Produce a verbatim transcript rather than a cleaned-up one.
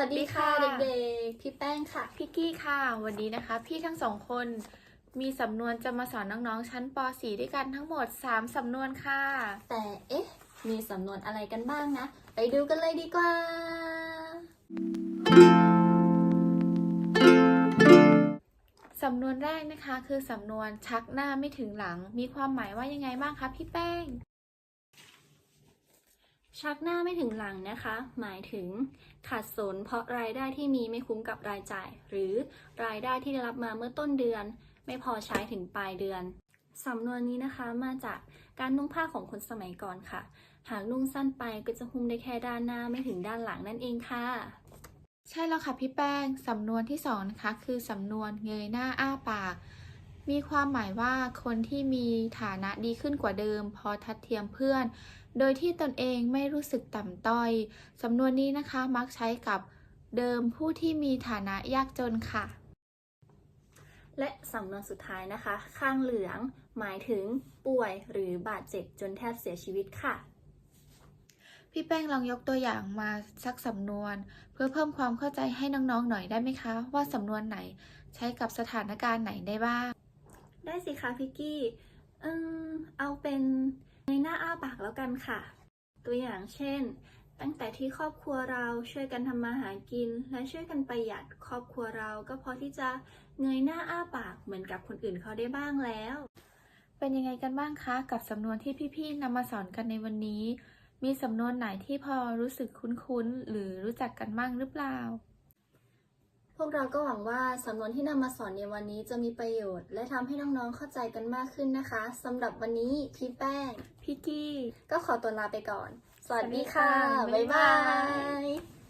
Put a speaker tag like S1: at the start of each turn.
S1: วัสดีค่ะเด็กๆพี่แป้งค่ะ
S2: พี่กี้ค่ะวันนี้นะคะพี่ทั้งสองคนมีสำนวนจะมาสอนน้องๆชั้นป .สี่ ด้วยกันทั้งหมดสามสำนวนค่ะ
S1: แต่เอ๊ะมีสำนวนอะไรกันบ้างนะไปดูกันเลยดีกว่า
S2: สำนวนแรกนะคะคือสำนวนชักหน้าไม่ถึงหลังมีความหมายว่ายังไงบ้างคะพี่แป้ง
S1: ชักหน้าไม่ถึงหลังนะคะหมายถึงขาดสนเพราะรายได้ที่มีไม่คุ้มกับรายจ่ายหรือรายได้ที่ได้รับมาเมื่อต้นเดือนไม่พอใช้ถึงปลายเดือนสำนวนนี้นะคะมาจากการนุ่งผ้าของคนสมัยก่อนค่ะหากนุ่งสั้นไปก็จะหุ้มได้แค่ด้านหน้าไม่ถึงด้านหลังนั่นเองค่ะ
S2: ใช่แล้วค่ะพี่แป้งสำนวนที่สองนะคะคือสำนวนเงยหน้าอ้าปากมีความหมายว่าคนที่มีฐานะดีขึ้นกว่าเดิมพอทัดเทียมเพื่อนโดยที่ตนเองไม่รู้สึกต่ำต้อยสำนวนนี้นะคะมักใช้กับเดิมผู้ที่มีฐานะยากจนค่ะ
S1: และสำนวนสุดท้ายนะคะข้างเหลืองหมายถึงป่วยหรือบาดเจ็บจนแทบเสียชีวิตค่ะ
S2: พี่แป้งลองยกตัวอย่างมาสักสำนวนเพื่อเพิ่มความเข้าใจให้น้องๆหน่อยได้ไหมคะว่าสำนวนไหนใช้กับสถานการณ์ไหนได้บ้าง
S1: ได้สิคะพิกกี้เออเอาเป็นในหน้าอ้าปากแล้วกันค่ะตัวอย่างเช่นตั้งแต่ที่ครอบครัวเราช่วยกันทำมาหากินและช่วยกันประหยัดครอบครัวเราก็พอที่จะเงยหน้าอ้าปากเหมือนกับคนอื่นเขาได้บ้างแล้ว
S2: เป็นยังไงกันบ้างคะกับสำนวนที่พี่ๆนำมาสอนกันในวันนี้มีสำนวนไหนที่พอรู้สึกคุ้นๆหรือรู้จักกันบ้างหรือเปล่า
S1: พวกเราก็หวังว่าสำนวนที่นำมาสอนในวันนี้จะมีประโยชน์และทำให้น้องๆเข้าใจกันมากขึ้นนะคะสำหรับวันนี้พี่แป้ง
S2: พี่กี้
S1: ก็ขอตัวลาไปก่อนสวัสดีค่ะบ๊ายบาย